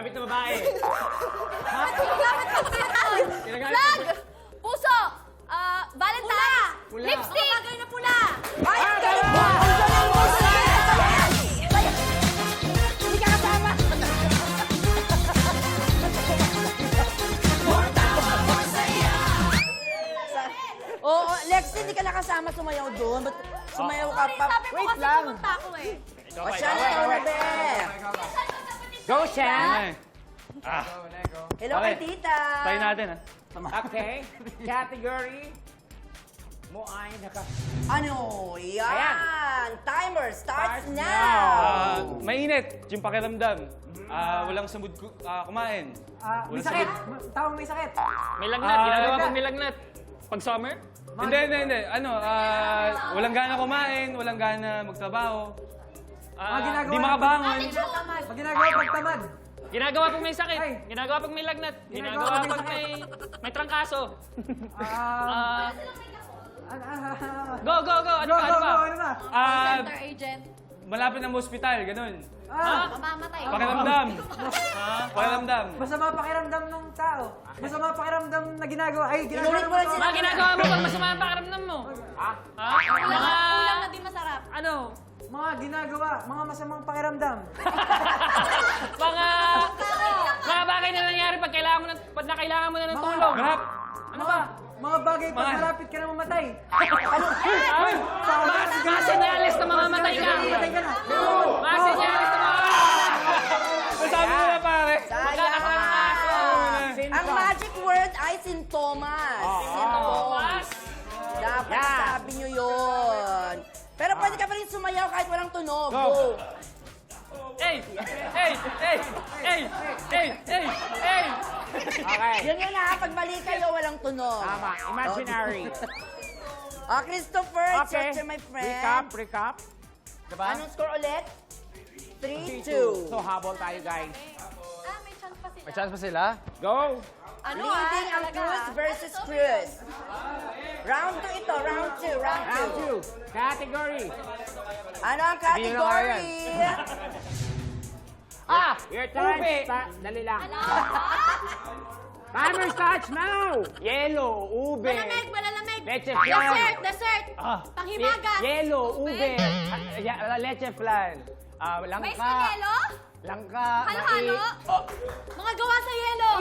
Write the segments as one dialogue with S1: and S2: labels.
S1: Ginagamit na babae.
S2: Ginagamit ng pinatawid. Flag! Puso! Valentine!
S1: Pula.
S2: Lipstick! Bagay na pula!
S3: Ay, ang galing mo! Ang galing mo! Hindi ka kasama! Oo, Lexi, hindi ka nakasama sumayaw doon. Ba't sumayaw ka pa?
S2: Sabi ko
S3: Wait
S2: kasi
S3: lang.
S2: pumunta ako eh.
S3: O siya na ikaw na, be.
S1: Go, Shan!
S3: Hello kay tita.
S4: Tayo natin, ha?
S1: Okay. Category mo ay naka...
S3: Ano? Yan.
S1: Ayan.
S3: Timer starts
S1: Starts
S3: now.
S4: Mainit, yung pakiramdam. Walang samud kumain.
S5: May sakit. Tawang may sakit.
S6: May lagnat. Ginagawa pag may lagnat. Pag summer?
S4: Hindi. Walang gana kumain, walang gana magtrabaho.
S5: ginagawa
S4: Di makabangon.
S5: Pag ginagawa pagtamad.
S6: Ginagawa pag may sakit. Ay. Ginagawa pag may lagnat.
S5: Ginagawa
S6: Ginagawa
S5: pag
S6: pag may trangkaso.
S5: Ah,
S6: Go! Ano ba?
S5: ano ba?
S2: Center agent.
S4: Malapit ng hospital, ganun.
S2: Mamamatay.
S4: Pakiramdam. Pakiramdam.
S5: Masama pakiramdam ng tao. Masama pakiramdam na ginagawa. Ay, ginagawa
S3: Inulit mo lang
S6: Mga ginagawa mo pag masama ang pakiramdam mo.
S2: Ulam na di masarap.
S6: Ano?
S5: Mga ginagawa, mga masamang pakiramdam.
S6: Mga bagay na nangyari pag kailangan mo na ng tulong.
S4: Harap.
S6: Ano ba?
S5: Mga bagay pag
S4: Mga-
S5: malapit ka na mamatay.
S6: Mga senyales na mamamatay ka.
S5: Mamatay ka na.
S6: Mga senyales na mamamatay ka.
S4: Sabi mo na, pare.
S3: Sayang. Ang magic word ay sintomas. Sintomas. Dapat sabi nyo yun. Pero pwede ka pa rin sumayaw kahit walang tunog. Go.
S6: Hey!
S1: Okay.
S3: Yun yun ha, pag mali kayo, walang tunog.
S1: Tama. Imaginary.
S3: Christopher, it's your
S1: Okay.
S3: turn, my friend.
S1: Recap. Diba?
S3: Anong score ulit? 3-2.
S1: So, habol tayo, guys.
S2: May chance pa sila.
S4: May chance pa sila?
S1: Go!
S2: Ano
S3: Leading ang Cruz versus Cruz. Round 2 ito, round 2, round
S1: Round
S3: 2.
S1: 2. Category.
S3: Ano ang category?
S1: Your time. Dali lang. Timer starts now. Yellow, ube.
S2: Malalamig.
S1: Leche flan.
S2: Dessert. Panghimagas.
S1: Yellow, ube. Leche flan.
S2: Mais na
S1: Langka.
S2: yelo?
S1: Langka.
S2: Halo-halo? Mga gawa sa yelo.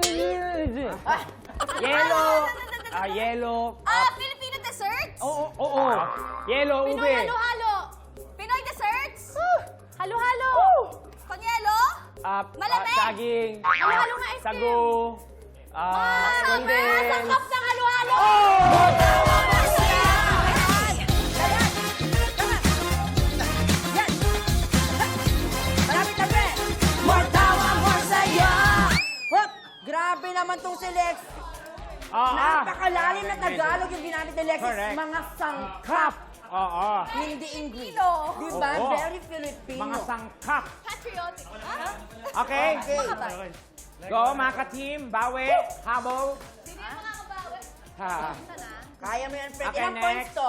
S1: Yellow. Yellow.
S2: Filipino desserts?
S1: Oo. Yellow, ube.
S2: Pinoy halo-halo. Pinoy desserts? Halo-halo. Pang-yelo? Malamig.
S1: Saging.
S2: Halo-halo nga ice cream.
S1: Sago.
S2: Sangkap ng halo-halo.
S3: Malapit na, pre! More tawa, more saya! Hop! Grabe naman tong si Lex. Napakalalim na Tagalog yung ginamit ni Lex.
S1: Correct.
S3: Mga sangkap.
S1: Oo.
S3: Hindi English.
S2: Filipino.
S3: Diba?
S1: Oo.
S3: Very Filipino.
S1: Mga sangkap.
S2: Patriotic.
S1: Okay.
S3: Okay.
S1: Go, mga ka-team. Bawi. Habol.
S2: Hindi makakabawi.
S1: Ha.
S3: Kaya mo yan, Fred.
S1: Okay,
S3: Ilang points
S1: next.
S3: to?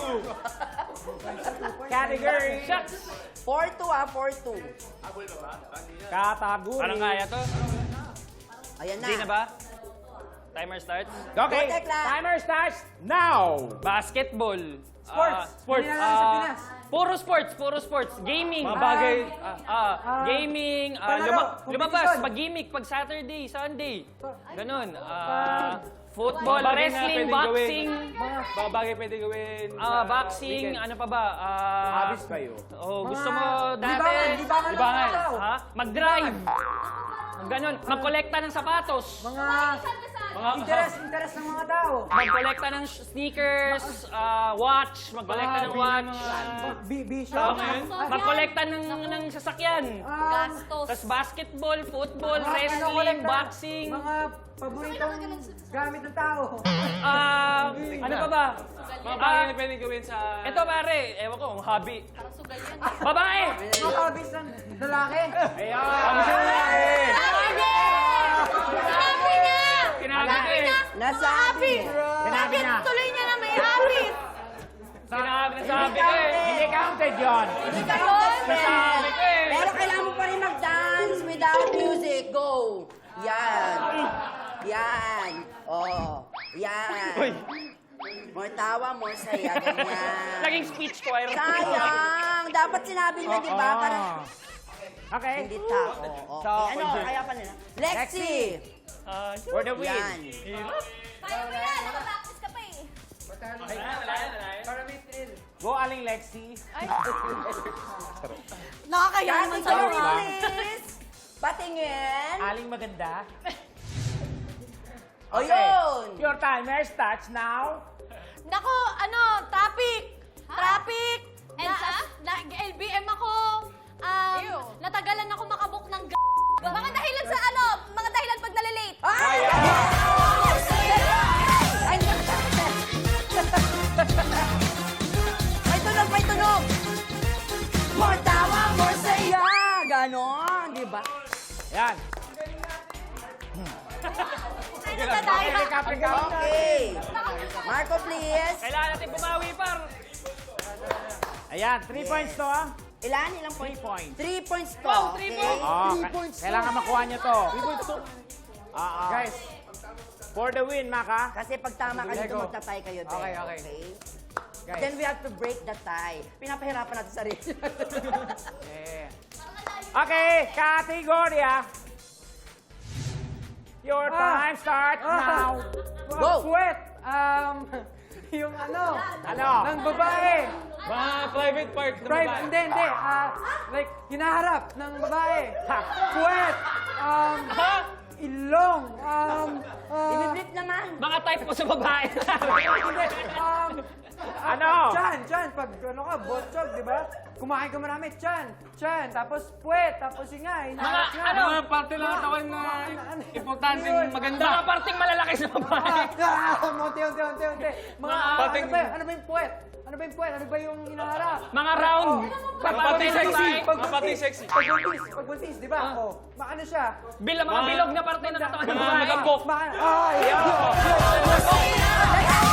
S1: Category.
S3: 4-2 ah, 4-2.
S1: Category.
S6: Parang kaya to.
S3: Ayan na.
S6: Hindi na ba? Timer starts.
S1: Okay.
S3: Go, Tekla.
S1: Timer starts now.
S6: Basketball.
S5: Sports. Hindi na lang sa Pinas.
S6: Puro sports. Gaming.
S4: Mga bagay.
S6: Gaming.
S5: Palaro,
S6: Lumabas.
S5: competition.
S6: Pag-gimmick. Pag Saturday, Sunday. Ganon. Football,
S4: Mga bagay na
S6: wrestling,
S4: pwedeng
S6: boxing.
S4: Mga bagay pwede gawin. sa
S6: Boxing.
S4: weekend.
S6: Ano pa ba?
S1: Habis kayo.
S6: Gusto mo dati.
S5: Libangan ng mga tao.
S6: Ha? Mag-drive. Ganon. Mag-kolekta ng sapatos.
S5: Mga
S4: Mga
S5: interest ng mga tao.
S6: Mag-kolekta ng sneakers, watch. Mag-kolekta ng watch.
S5: Bisyo.
S6: Mag-kolekta ng sasakyan.
S2: Gastos.
S6: Tapos basketball, football,
S5: Mga
S6: wrestling,
S5: pinakolekta.
S6: boxing.
S5: Mga paboritong gamit ng tao.
S6: Ano pa ba?
S4: Mga bagay na pwede gawin sa...
S6: Ito pare, ewan ko, ang hobby.
S2: Parang sugal yan.
S6: Babae!
S5: Mga hobbies ng lalaki.
S1: Ayan.
S2: Sinabi niya!
S6: Sinabi ko eh.
S3: Nasabi.
S1: Sinabi na.
S2: Tuloy niya na may habit.
S6: Sinabi ko eh.
S1: Hindi counted yun.
S3: Hindi ka yun,
S6: Sabi ko eh.
S3: Pero kailangan mo pa rin mag-dance without music. Go, Yan. Yan. Oh. Yan. More tawa, more saya. Ganyan.
S6: Naging speech choir.
S3: Sayang. Dapat sinabi niya, di ba? Para
S1: Okay.
S3: hindi tao. Okay. Ano? Kaya pa nila. Lexi.
S1: For the win.
S3: Yan.
S2: Kaya mo yan. Nakapractice ka pa eh.
S5: Para may thrill.
S1: Go, Aling Lexi.
S2: Nakakaya naman
S3: Sorry,
S2: sa'yo, ha?
S3: please. Patingin.
S1: Aling maganda.
S3: O yun.
S1: Your timer starts now.
S2: Nako, traffic. Traffic. Elsa? LBM ako. Natagalan ako makabuk ng Mga dahilan sa mga dahilan pag nalilate.
S3: Ay! Ay! May tunog, may tunog! More tawa, more saya! Ganon, di ba?
S1: Yan.
S2: Ay, nagdadaya.
S3: Okay. Marco, please.
S6: Kailangan natin bumawi, par.
S1: Ayan, 3 points to, ah.
S3: Ilan? Ilang
S1: 3
S3: points?
S1: points.
S3: 3 points to.
S6: Wow, 3
S3: okay?
S6: points.
S1: Oh,
S3: 3 points to.
S1: kailangan makuha niyo to.
S5: 3 points to.
S1: Guys, for the win, Maka.
S3: Kasi pag tama ka dito,
S5: Lego.
S3: magta-tie kayo din.
S5: Okay, okay. Guys.
S3: Then we have to break the tie. Pinapahirapan natin sarili.
S1: Yeah. Okay, kategorya. Your time starts now.
S3: Go.
S5: Sweat. Yung ano?
S1: Ano?
S5: Ng babae.
S4: Mga private part ng
S5: Private,
S4: babae.
S5: hindi. Like, hinaharap ng babae. Sweat. Ilong.
S3: Ibiblip naman.
S6: Mga type ko sa babae.
S5: Hindi.
S1: Ano?
S5: Chan. Pag ano ka, botsog, di ba? Kumain ka marami, chan. Tapos puwet, tapos ingay.
S6: Mga
S4: parte lang katawan na importanteng
S5: Yun.
S4: maganda.
S6: Mga parting malalaki sa babae.
S5: Unti. Mga,
S4: Pating-
S5: ano ba yung puwet? Ano ba yung puwet? Ano ba yung hinaharap?
S6: Mga round.
S4: Pati sexy. Pati sexy.
S5: Pagbuntis, di ba? Maano siya?
S6: Mga bilog na parte ng katawan ng
S4: Mga
S6: babae.
S4: magambok.
S5: Ay!